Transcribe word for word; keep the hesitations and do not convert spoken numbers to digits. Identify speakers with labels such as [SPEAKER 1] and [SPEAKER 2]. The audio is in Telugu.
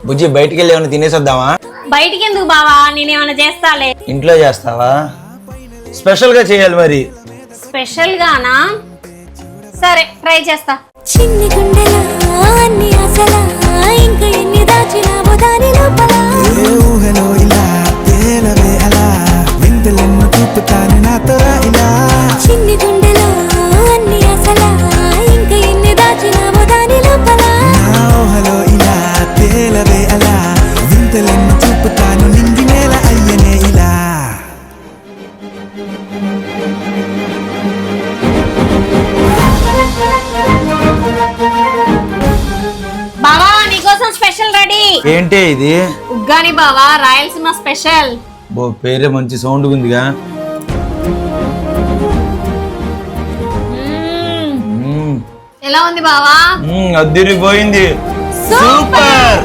[SPEAKER 1] బుజ్జి బయటికి వెళ్ళి ఏమైనా తినేసి వద్దామా?
[SPEAKER 2] బయటికి ఎందుకు బావా, నేనేమైనా చేస్తాలే.
[SPEAKER 1] ఇంట్లో చేస్తావా? స్పెషల్ గా చేయాలి మరి.
[SPEAKER 2] స్పెషల్ గానా? సరే ట్రై చేస్తా.
[SPEAKER 3] చిన్ని గుండెలా అన్ని ఆశలా ఇంకా ఎన్ని దాచినావో దాని లోపల
[SPEAKER 4] ఏ ఊహలో ఇలా తేలవే అలా వింతలెన్నో చూపుతాను నాతో రా ఇలా
[SPEAKER 3] చిన్ని గుండెలో అన్ని ఆశలా ఇంకా ఎన్ని దాచినావో దాని లోపల
[SPEAKER 4] నా ఊహలో ఇలా తేలవే అలా వింతలెన్నో చూపుతాను నింగి నేల అయ్యనే ఇలా
[SPEAKER 2] బావా నీకోసం స్పెషల్ రెడీ.
[SPEAKER 1] ఏంటి ఇది?
[SPEAKER 2] ఉగ్గాని బావా, రాయలసీమ స్పెషల్.
[SPEAKER 1] బో పేరే మంచి సౌండ్ ఉందిగా.
[SPEAKER 2] మ్మ్.
[SPEAKER 1] మ్మ్.
[SPEAKER 2] ఎలా ఉంది బావా?
[SPEAKER 1] మ్మ్, అద్దిరిపోయింది.
[SPEAKER 2] సూపర్.